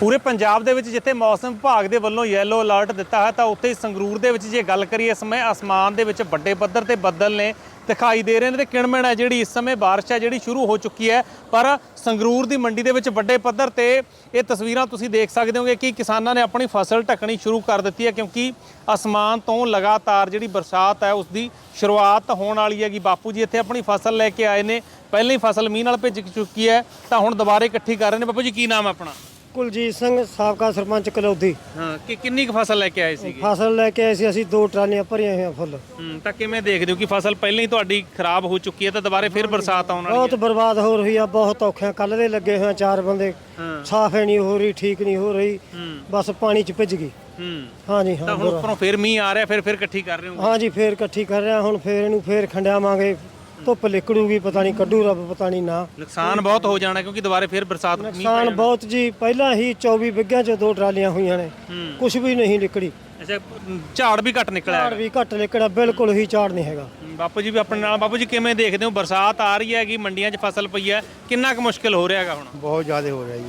ਪੂਰੇ ਪੰਜਾਬ ਦੇ ਵਿੱਚ ਜਿੱਥੇ ਮੌਸਮ ਵਿਭਾਗ ਦੇ ਵੱਲੋਂ ਯੈਲੋ ਅਲਰਟ ਦਿੱਤਾ ਹੈ ਤਾਂ ਉੱਥੇ ਹੀ ਸੰਗਰੂਰ ਦੇ ਵਿੱਚ ਜੇ ਗੱਲ ਕਰੀਏ ਇਸ ਸਮੇਂ ਅਸਮਾਨ ਦੇ ਵਿੱਚ ਵੱਡੇ ਪੱਧਰ ਤੇ ਬੱਦਲ ਨੇ ਦਿਖਾਈ ਦੇ ਰਹੇ ਨੇ ਤੇ ਕਿਣਮਣ ਹੈ ਜਿਹੜੀ ਇਸ ਸਮੇਂ ਬਾਰਿਸ਼ ਹੈ ਜਿਹੜੀ ਸ਼ੁਰੂ ਹੋ ਚੁੱਕੀ ਹੈ। ਪਰ ਸੰਗਰੂਰ ਦੀ ਮੰਡੀ ਦੇ ਵਿੱਚ ਵੱਡੇ ਪੱਧਰ ਤੇ ਇਹ ਤਸਵੀਰਾਂ ਤੁਸੀਂ ਦੇਖ ਸਕਦੇ ਹੋਗੇ ਕਿ ਕਿਸਾਨਾਂ ਨੇ ਆਪਣੀ ਫਸਲ ਢੱਕਣੀ ਸ਼ੁਰੂ ਕਰ ਦਿੱਤੀ ਹੈ ਕਿਉਂਕਿ ਅਸਮਾਨ ਤੋਂ ਲਗਾਤਾਰ ਜਿਹੜੀ ਬਰਸਾਤ ਹੈ ਉਸ ਦੀ ਸ਼ੁਰੂਆਤ ਹੋਣ ਵਾਲੀ ਹੈਗੀ। ਬਾਪੂ ਜੀ ਇੱਥੇ ਆਪਣੀ ਫਸਲ ਲੈ ਕੇ ਆਏ ਨੇ, ਪਹਿਲਾਂ ਹੀ ਫਸਲ ਮੀਂਹ ਨਾਲ ਭਿੱਜ ਚੁੱਕੀ ਹੈ ਤਾਂ ਹੁਣ ਦੁਬਾਰੇ ਇਕੱਠੀ ਕਰ ਰਹੇ ਨੇ। ਬਾਪੂ ਜੀ ਕੀ ਨਾਮ ਹੈ ਆਪਣਾ? ਕੁਲਜੀਤ ਸਿੰਘ ਸਾਬਕਾ ਸਰਪੰਚ ਕਲੌਦੀ। ਹਾਂ ਕਿ ਕਿੰਨੀ ਕੁ ਫਸਲ ਲੈ ਕੇ ਆਏ ਸੀਗੇ? ਫਸਲ ਲੈ ਕੇ ਆਏ ਸੀ ਅਸੀਂ 2 ਟਰਾਲੀਆਂ ਭਰੀਆਂ ਹੋਈਆਂ ਫੁੱਲ। ਤਾਂ ਕਿਵੇਂ ਦੇਖਦੇ ਹੋ ਕਿ ਫਸਲ ਪਹਿਲਾਂ ਹੀ ਤੁਹਾਡੀ ਖਰਾਬ ਹੋ ਚੁੱਕੀ ਹੈ ਤਾਂ ਦੁਬਾਰੇ ਫਿਰ ਬਰਸਾਤ ਆਉਣ ਵਾਲੀ ਹੈ? ਬਹੁਤ ਬਰਬਾਦ ਹੋ ਰਹੀ ਆ, ਬਹੁਤ ਔਖੇ ਕੱਲ ਦੇ ਲੱਗੇ ਹੋਏ 4 ਬੰਦੇ। ਸਾਫ ਨਹੀਂ ਹੋ ਰਹੀ, ਠੀਕ ਨਹੀਂ ਹੋ ਰਹੀ, ਬਸ ਪਾਣੀ 'ਚ ਭਿੱਜ ਗਈ। ਹਾਂਜੀ ਹਾਂ। ਤਾਂ ਹੁਣ ਉੱਪਰੋਂ ਫਿਰ ਮੀਂਹ ਆ ਰਿਹਾ, ਫਿਰ ਇਕੱਠੀ ਕਰ ਰਹੇ ਹੋ? ਹਾਂਜੀ ਫੇਰ ਇਕੱਠੀ ਕਰ ਰਿਹਾ, ਹੁਣ ਫੇਰ ਇਹਨੂੰ ਫੇਰ ਖੰਡਿਆਵਾਂਗੇ। ਧੁੱਪ ਲਿਕੜੂਗੀ, ਪਤਾ ਨਹੀਂ ਕੱਢੂ ਰੱਬ, ਪਤਾ ਨਹੀਂ ਨਾ। ਨੁਕਸਾਨ ਬਹੁਤ ਹੋ ਜਾਣਾ ਕਿਉਂਕਿ ਦੁਬਾਰੇ ਫਿਰ ਬਰਸਾਤ ਨੁਕਸਾਨ ਬਹੁਤ ਜੀ। ਪਹਿਲਾਂ ਹੀ 24 ਬਿੱਗਿਆਂ 'ਚ 2 ਟਰਾਲੀਆਂ ਹੋਈਆਂ ਨੇ, ਕੁਝ ਵੀ ਨਹੀਂ ਨਿਕੜੀ। ਅੱਛਾ, ਝਾੜ ਵੀ ਘੱਟ ਨਿਕਲਿਆ? ਝਾੜ ਵੀ ਘੱਟ ਨਿਕਲਿਆ, ਬਿਲਕੁਲ ਹੀ ਝਾੜ ਨਹੀਂ ਹੈਗਾ। ਬਾਪੂ ਜੀ ਵੀ ਆਪਣੇ ਨਾਲ। ਬਾਪੂ ਜੀ ਕਿਵੇਂ ਦੇਖਦੇ ਹੋ ਬਰਸਾਤ ਆ ਰਹੀ ਹੈਗੀ, ਮੰਡੀਆਂ 'ਚ ਫਸਲ ਪਈ ਹੈ, ਕਿੰਨਾ ਕੁ ਮੁਸ਼ਕਿਲ ਹੋ ਰਿਹਾ ਹੈਗਾ ਹੁਣ? ਬਹੁਤ ਜ਼ਿਆਦਾ ਹੋ ਰਿਹਾ ਜੀ।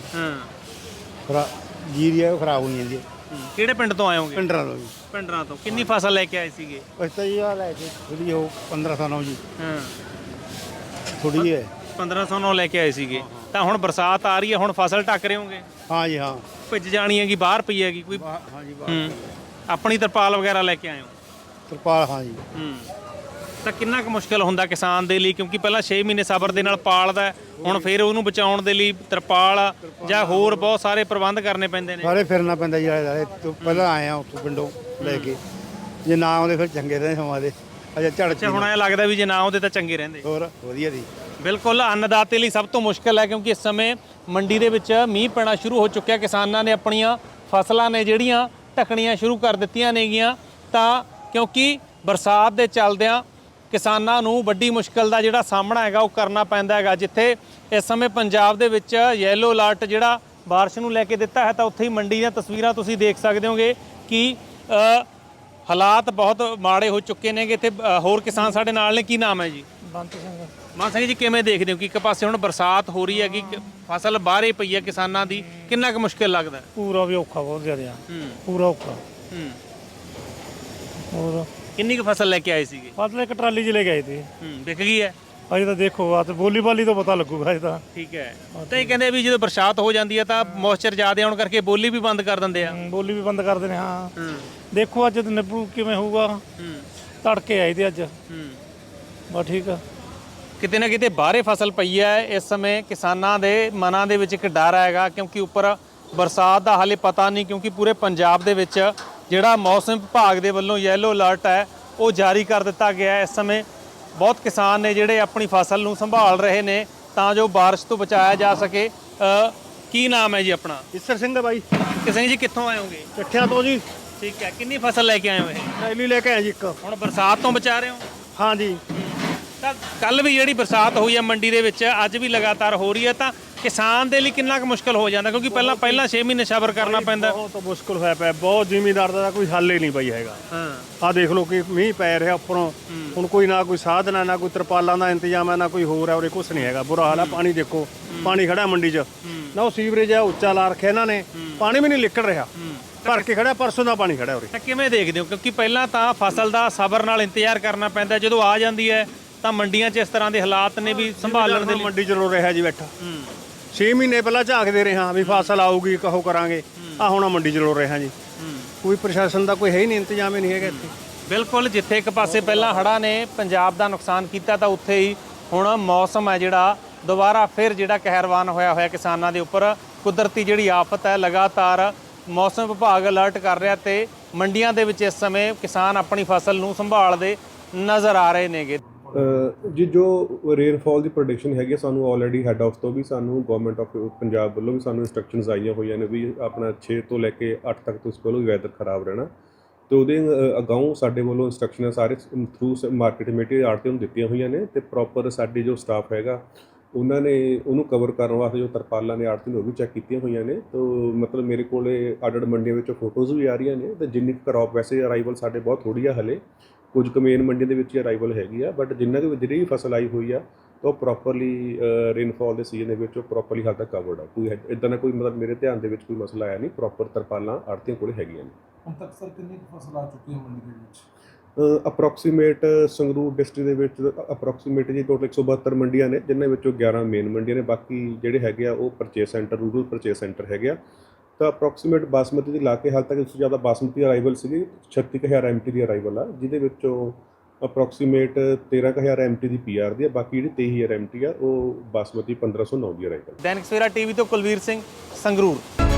ਜੀਰੀ ਹੈ ਉਹ ਖਰਾਬ ਹੋਣੀ ਜਾਂਦੀ ਹੈ। ਕਿਹੜੇ ਪਿੰਡ ਤੋਂ ਆਏ ਹੋਗੇ? ਪਿੰਡਰਾਂ ਤੋਂ ਜੀ। ਪਿੰਡਰਾਂ ਤੋਂ। ਕਿੰਨੀ ਫਸਲ ਲੈ ਕੇ ਆਏ ਸੀਗੇ? ਅਸੀਂ ਤਾਂ ਜੀ ਆ ਲੈ ਕੇ ਥੋੜੀ ਉਹ 1509 ਜੀ। ਹਾਂ, ਥੋੜੀ ਹੈ 1509 ਲੈ ਕੇ ਆਏ ਸੀਗੇ ਤਾਂ ਹੁਣ ਬਰਸਾਤ ਆ ਰਹੀ ਹੈ, ਹੁਣ ਫਸਲ ਢੱਕ ਰਹੇ ਹੋਗੇ? ਹਾਂ ਜੀ ਹਾਂ। ਭਿੱਜ ਜਾਣੀ ਹੈਗੀ, ਬਾਹਰ ਪਈ ਹੈਗੀ ਕੋਈ? ਹਾਂ ਜੀ ਆਪਣੀ ਤਰਪਾਲ ਵਗੈਰਾ ਲੈ ਕੇ ਆਏ ਹੋ? ਤਰਪਾਲ ਹਾਂ ਜੀ। ਤਾਂ ਕਿੰਨਾ ਕੁ ਮੁਸ਼ਕਿਲ ਹੁੰਦਾ ਕਿਸਾਨ ਦੇ ਲਈ ਕਿਉਂਕਿ ਪਹਿਲਾਂ 6 ਮਹੀਨੇ ਸਬਰ ਦੇ ਨਾਲ ਪਾਲਦਾ, ਹੁਣ ਫਿਰ ਉਹਨੂੰ ਬਚਾਉਣ ਦੇ ਲਈ ਤਰਪਾਲ ਜਾਂ ਹੋਰ ਬਹੁਤ ਸਾਰੇ ਪ੍ਰਬੰਧ ਕਰਨੇ ਪੈਂਦੇ ਨੇ? ਸਾਰੇ ਫਿਰਨਾ ਪੈਂਦਾ ਜੀ ਆਲੇ ਤੋਂ। ਪਹਿਲਾਂ ਆਏ ਆ ਉੱਥੋਂ ਪਿੰਡੋਂ ਲੈ ਕੇ, ਜੇ ਨਾ ਆਉਂਦੇ ਫਿਰ ਚੰਗੇ ਰਹੇ ਸਮਾਂ ਦੇ। ਅੱਛਾ, ਹੁਣ ਇਹ ਲੱਗਦਾ ਵੀ ਜੇ ਨਾ ਆਉਂਦੇ ਤਾਂ ਚੰਗੇ ਰਹਿੰਦੇ। ਹੋਰ ਵਧੀਆ ਜੀ। ਬਿਲਕੁਲ, ਅੰਨਦਾਤੇ ਲਈ ਸਭ ਤੋਂ ਮੁਸ਼ਕਿਲ ਹੈ ਕਿਉਂਕਿ ਇਸ ਸਮੇਂ ਮੰਡੀ ਦੇ ਵਿੱਚ ਮੀਂਹ ਪੈਣਾ ਸ਼ੁਰੂ ਹੋ ਚੁੱਕਿਆ। ਕਿਸਾਨਾਂ ਨੇ ਆਪਣੀਆਂ ਫਸਲਾਂ ਨੇ ਜਿਹੜੀਆਂ ਢੱਕਣੀਆਂ ਸ਼ੁਰੂ ਕਰ ਦਿੱਤੀਆਂ ਨੇਗੀਆਂ ਤਾਂ ਕਿਉਂਕਿ ਬਰਸਾਤ ਦੇ ਚੱਲਦਿਆਂ ਕਿਸਾਨਾਂ ਨੂੰ ਵੱਡੀ ਮੁਸ਼ਕਿਲ ਦਾ ਜਿਹੜਾ ਸਾਹਮਣਾ ਹੈਗਾ ਉਹ ਕਰਨਾ ਪੈਂਦਾ ਹੈਗਾ। ਜਿੱਥੇ ਇਸ ਸਮੇਂ ਪੰਜਾਬ ਦੇ ਵਿੱਚ ਯੈਲੋ ਅਲਰਟ ਜਿਹੜਾ ਬਾਰਿਸ਼ ਨੂੰ ਲੈ ਕੇ ਦਿੱਤਾ ਹੈ ਤਾਂ ਉੱਥੇ ਹੀ ਮੰਡੀ ਦੀਆਂ ਤਸਵੀਰਾਂ ਤੁਸੀਂ ਦੇਖ ਸਕਦੇ ਹੋਗੇ ਕਿ ਹਾਲਾਤ ਬਹੁਤ ਮਾੜੇ ਹੋ ਚੁੱਕੇ ਨੇਗੇ। ਇੱਥੇ ਹੋਰ ਕਿਸਾਨ ਸਾਡੇ ਨਾਲ ਨੇ। ਕੀ ਨਾਮ ਹੈ ਜੀ? ਬੰਤ ਸਿੰਘ। ਮਾਨ ਸਿੰਘ ਜੀ, ਕਿਵੇਂ ਦੇਖਦੇ ਹੋ ਕਿ ਇੱਕ ਪਾਸੇ ਹੁਣ ਬਰਸਾਤ ਹੋ ਰਹੀ ਹੈਗੀ, ਫਸਲ ਬਾਹਰੇ ਪਈ ਹੈ ਕਿਸਾਨਾਂ ਦੀ, ਕਿੰਨਾ ਕੁ ਮੁਸ਼ਕਿਲ ਲੱਗਦਾ? ਪੂਰਾ ਵੀ ਔਖਾ, ਬਹੁਤ ਜ਼ਿਆਦਾ ਪੂਰਾ ਔਖਾ। ਹੋਰ ਕਿੰਨੀ ਕੁ ਫਸਲ ਲੈ ਕੇ ਆਏ ਸੀਗੇ? ਫਸਲ ਇੱਕ ਟਰਾਲੀ 'ਚ ਲੈ ਕੇ ਆਏ ਤੇ ਵਿਕ ਗਈ ਹੈ? ਅਜੇ ਤਾਂ ਦੇਖੋ ਆ ਤੇ ਬੋਲੀ ਬਾਲੀ ਤੋਂ ਪਤਾ ਲੱਗੂਗਾ ਅਜੇ ਤਾਂ। ਠੀਕ ਹੈ। ਤਾਂ ਇਹ ਕਹਿੰਦੇ ਵੀ ਜਦੋਂ ਬਰਸਾਤ ਹੋ ਜਾਂਦੀ ਹੈ ਤਾਂ ਮੋਇਸਚਰ ਜ਼ਿਆਦਾ ਆਉਣ ਕਰਕੇ ਬੋਲੀ ਵੀ ਬੰਦ ਕਰ ਦਿੰਦੇ ਆ? ਬੋਲੀ ਵੀ ਬੰਦ ਕਰਦੇ ਨੇ। ਹਾਂ ਦੇਖੋ ਅੱਜ ਨਿਬੜੂ ਕਿਵੇਂ ਹੋਊਗਾ। ਤੜਕੇ ਆਏ ਤੇ ਅੱਜ। ਬਸ ਠੀਕ ਆ। ਕਿਤੇ ਨਾ ਕਿਤੇ ਬਾਹਰੇ ਫਸਲ ਪਈ ਹੈ। ਇਸ ਸਮੇਂ ਕਿਸਾਨਾਂ ਦੇ ਮਨਾਂ ਦੇ ਵਿੱਚ ਇੱਕ ਡਰ ਹੈਗਾ ਕਿਉਂਕਿ ਉੱਪਰ ਬਰਸਾਤ ਦਾ ਹਾਲੇ ਪਤਾ ਨਹੀਂ ਕਿਉਂਕਿ ਪੂਰੇ ਪੰਜਾਬ ਦੇ ਵਿੱਚ ਜਿਹੜਾ ਮੌਸਮ ਵਿਭਾਗ ਦੇ ਵੱਲੋਂ ਯੈਲੋ ਅਲਰਟ ਹੈ ਉਹ ਜਾਰੀ ਕਰ ਦਿੱਤਾ ਗਿਆ ਹੈ। ਇਸ ਸਮੇਂ ਬਹੁਤ ਕਿਸਾਨ ਨੇ ਜਿਹੜੇ ਆਪਣੀ ਫਸਲ ਨੂੰ ਸੰਭਾਲ ਰਹੇ ਨੇ ਤਾਂ ਜੋ ਬਾਰਿਸ਼ ਤੋਂ ਬਚਾਇਆ ਜਾ ਸਕੇ। ਕੀ ਨਾਮ ਹੈ ਜੀ ਆਪਣਾ? ਈਸਰ ਸਿੰਘ ਦਾ ਬਾਈ। ਕਿਸੇ ਜੀ ਕਿੱਥੋਂ ਆਏ ਹੋਗੇ? ਚੱਠਿਆਂ ਤੋਂ ਜੀ। ਠੀਕ ਹੈ। ਕਿੰਨੀ ਫਸਲ ਲੈ ਕੇ ਆਏ ਹੋ ਇਹ? ਟਰਾਲੀ ਲੈ ਕੇ ਆਏ ਜੀ ਇੱਕ। ਹੁਣ ਬਰਸਾਤ ਤੋਂ ਬਚਾ ਰਹੇ ਹੋ? ਹਾਂ ਜੀ। ਤਾਂ ਕੱਲ ਵੀ ਜਿਹੜੀ ਬਰਸਾਤ ਹੋਈ ਹੈ ਮੰਡੀ ਦੇ ਵਿੱਚ, ਅੱਜ ਵੀ ਲਗਾਤਾਰ ਹੋ ਰਹੀ ਹੈ ਤਾਂ ਕਿਸਾਨ ਦੇ ਲਈ ਕਿੰਨਾ ਕੁ ਮੁਸ਼ਕਲ ਹੋ ਜਾਂਦਾ ਕਿਉਂਕਿ ਪਹਿਲਾਂ 6 ਮਹੀਨੇ ਸਬਰ ਕਰਨਾ ਪੈਂਦਾ? ਬਹੁਤ ਮੁਸ਼ਕਲ ਹੋਇਆ ਪਿਆ, ਬਹੁਤ। ਜ਼ਿਮੀਂਦਾਰ ਦਾ ਕੋਈ ਹੱਲ ਹੀ ਨਹੀਂ ਪਈ ਹੈਗਾ। ਆਹ ਦੇਖ ਲਓ ਕਿ ਮੀਂਹ ਪੈ ਰਿਹਾ ਉੱਪਰੋਂ, ਹੁਣ ਕੋਈ ਨਾ ਕੋਈ ਸਾਧਨ ਹੈ, ਨਾ ਕੋਈ ਤਰਪਾਲਾਂ ਦਾ ਇੰਤਜ਼ਾਮ ਹੈ, ਨਾ ਕੋਈ ਹੋਰ ਹੈ, ਉਰੇ ਕੁਛ ਨਹੀਂ ਹੈਗਾ। ਬੁਰਾ ਹਾਲ ਹੈ। ਪਾਣੀ ਦੇਖੋ, ਪਾਣੀ ਖੜਾ ਮੰਡੀ 'ਚ ਨਾ। ਉਹ ਸੀਵਰੇਜ ਆ ਉੱਚਾ ਲਾ ਰੱਖਿਆ ਇਹਨਾਂ ਨੇ, ਪਾਣੀ ਵੀ ਨਹੀਂ ਨਿਕਲ ਰਿਹਾ, ਭਰ ਕੇ ਖੜਾ। ਪਰਸੋਂ ਦਾ ਪਾਣੀ ਖੜਾ ਉਰੇ। ਤਾਂ ਕਿਵੇਂ ਦੇਖਦੇ ਹੋ ਕਿਉਂਕਿ ਪਹਿਲਾਂ ਤਾਂ ਫਸਲ ਦਾ ਸਬਰ ਨਾਲ ਇੰਤਜ਼ਾਰ ਕਰਨਾ ਪੈਂਦਾ, ਜਦੋਂ ਆ ਜਾਂਦੀ ਹੈ ਤਾਂ ਮੰਡੀਆਂ 'ਚ ਇਸ ਤਰ੍ਹਾਂ ਦੇ ਹਾਲਾਤ ਨੇ ਵੀ ਸੰਭਾਲਣ ਦੇ ਲਈ? ਮੰਡੀ 'ਚ ਰੋ ਰਿਹਾ ਜੀ ਬੈਠਾ। 6 ਮਹੀਨੇ ਪਹਿਲਾਂ ਝਾਕਦੇ ਰਹੇ ਹਾਂ ਵੀ ਫਸਲ ਆਊਗੀ, ਕਹੋ ਕਰਾਂਗੇ। ਆ ਹੁਣ ਮੰਡੀ 'ਚ ਰੋ ਰਿਹਾ ਜੀ। ਕੋਈ ਪ੍ਰਸ਼ਾਸਨ ਦਾ ਕੋਈ ਹੈ ਹੀ ਨਹੀਂ, ਇੰਤਜ਼ਾਮ ਹੀ ਨਹੀਂ ਹੈਗਾ ਇੱਥੇ। ਬਿਲਕੁਲ, ਜਿੱਥੇ ਇੱਕ ਪਾਸੇ ਪਹਿਲਾਂ ਹੜ੍ਹਾਂ ਨੇ ਪੰਜਾਬ ਦਾ ਨੁਕਸਾਨ ਕੀਤਾ ਤਾਂ ਉੱਥੇ ਹੀ ਹੁਣ ਮੌਸਮ ਹੈ ਜਿਹੜਾ ਦੁਬਾਰਾ ਫਿਰ ਜਿਹੜਾ ਕਹਿਰਵਾਨ ਹੋਇਆ ਕਿਸਾਨਾਂ ਦੇ ਉੱਪਰ। ਕੁਦਰਤੀ ਜਿਹੜੀ ਆਫਤ ਹੈ, ਲਗਾਤਾਰ ਮੌਸਮ ਵਿਭਾਗ ਅਲਰਟ ਕਰ ਰਿਹਾ ਤੇ ਮੰਡੀਆਂ ਦੇ ਵਿੱਚ ਇਸ ਸਮੇਂ ਕਿਸਾਨ ਆਪਣੀ ਫਸਲ ਨੂੰ ਸੰਭਾਲਦੇ ਨਜ਼ਰ ਆ ਰਹੇ ਨੇਗੇ। ਜੀ ਜੋ ਰੇਨਫਾਲ ਦੀ ਪ੍ਰੈਡਿਕਸ਼ਨ ਹੈਗੀ ਆ, ਸਾਨੂੰ ਆਲਰੇਡੀ ਹੈੱਡ ਆਫ ਤੋਂ ਵੀ, ਸਾਨੂੰ ਗਵਰਨਮੈਂਟ ਆਫ ਪੰਜਾਬ ਵੱਲੋਂ ਵੀ ਸਾਨੂੰ ਇੰਸਟਰਕਸ਼ਨਸ ਆਈਆਂ ਹੋਈਆਂ ਨੇ ਵੀ ਆਪਣਾ 6 ਤੋਂ ਲੈ ਕੇ 8 ਤੱਕ ਤੁਸੀਂ ਕੋਲ ਵੈਦਰ ਖਰਾਬ ਰਹਿਣਾ। ਤੇ ਉਹਦੇ ਅਗਾਊਂ ਸਾਡੇ ਵੱਲੋਂ ਇੰਸਟਰਕਸ਼ਨਾਂ ਸਾਰੇ ਥਰੂ ਮਾਰਕੀਟ ਕਮੇਟੀ ਆੜ੍ਹਤੀਆਂ ਨੂੰ ਦਿੱਤੀਆਂ ਹੋਈਆਂ ਨੇ ਤੇ ਪ੍ਰੋਪਰ ਸਾਡੀ ਜੋ ਸਟਾਫ ਹੈਗਾ ਉਹਨਾਂ ਨੇ ਉਹਨੂੰ ਕਵਰ ਕਰਨ ਵਾਸਤੇ ਜੋ ਤਰਪਾਲਾਂ ਨੇ ਆੜ੍ਹਤੀ ਨੇ ਉਹ ਵੀ ਚੈੱਕ ਕੀਤੀਆਂ ਹੋਈਆਂ ਨੇ। ਤਾਂ ਮਤਲਬ ਮੇਰੇ ਕੋਲ ਅੱਡ ਮੰਡੀਆਂ ਵਿੱਚੋਂ ਫੋਟੋਜ਼ ਵੀ ਆ ਰਹੀਆਂ ਨੇ ਤੇ ਜਿੰਨੀ ਕਰੋਪ ਵੈਸੇ ਅਰਾਈਵਲ ਸਾਡੇ ਬਹੁਤ ਥੋੜ੍ਹੀ ਆ ਹਲੇ, ਕੁਝ ਕੁ ਮੇਨ ਮੰਡੀ ਦੇ ਵਿੱਚ ਹੀ ਅਰਾਈਵਲ ਹੈਗੀ ਆ, ਬਟ ਜਿੰਨਾ ਕੁ ਜਿਹੜੀ ਵੀ ਫਸਲ ਆਈ ਹੋਈ ਆ ਉਹ ਪ੍ਰੋਪਰਲੀ ਰੇਨਫਾਲ ਦੇ ਸੀਜ਼ਨ ਦੇ ਵਿੱਚ ਉਹ ਪ੍ਰੋਪਰਲੀ ਹਾਲ ਤੱਕ ਕਵਰਡ ਆ। ਕੋਈ ਇਦਾਂ ਦਾ ਕੋਈ ਮਤਲਬ ਮੇਰੇ ਧਿਆਨ ਦੇ ਵਿੱਚ ਕੋਈ ਮਸਲਾ ਆਇਆ ਨਹੀਂ। ਪ੍ਰੋਪਰ ਤਰਪਾਲਾਂ ਆੜ੍ਹਤੀਆਂ ਕੋਲ ਹੈਗੀਆਂ ਨੇ। ਹੁਣ ਤੱਕ ਸਰ ਕਿੰਨੀ ਕੁ ਫਸਲ ਆ ਚੁੱਕੀ ਹੈ ਮੰਡੀ ਦੇ ਵਿੱਚ? ਅਪਰੋਕਸੀਮੇਟ ਸੰਗਰੂਰ ਡਿਸਟ੍ਰਿਕਟ ਦੇ ਵਿੱਚ ਅਪਰੋਕਸੀਮੇਟ ਜੀ ਟੋਟਲ 172 ਮੰਡੀਆਂ ਨੇ, ਜਿਨ੍ਹਾਂ ਵਿੱਚੋਂ 11 ਮੇਨ ਮੰਡੀਆਂ ਨੇ। ਬਾਕੀ ਜਿਹੜੇ ਹੈਗੇ ਆ ਉਹ purchase centre, rural purchase centre ਹੈਗੇ ਆ। ਤਾਂ ਅਪਰੋਕਸੀਮੇਟ ਬਾਸਮਤੀ ਦੀ ਲਾ ਕੇ ਹਾਲ ਤੱਕ ਇਸ ਤੋਂ ਜ਼ਿਆਦਾ ਬਾਸਮਤੀ ਅਰਾਈਵਲ ਸੀਗੀ 36000 MT ਦੀ ਅਰਾਈਵਲ ਆ, ਜਿਹਦੇ ਵਿੱਚੋਂ ਅਪਰੋਕਸੀਮੇਟ 13000 MT ਦੀ PR ਦੀ ਆ। ਬਾਕੀ ਜਿਹੜੀ 23000 MT ਆ ਉਹ ਬਾਸਮਤੀ 1509 ਦੀ ਅਰਾਈਵਲ। ਦੈਨਿਕ ਸਵੇਰਾ ਟੀਵੀ ਤੋਂ ਕੁਲਵੀਰ ਸਿੰਘ, ਸੰਗਰੂਰ।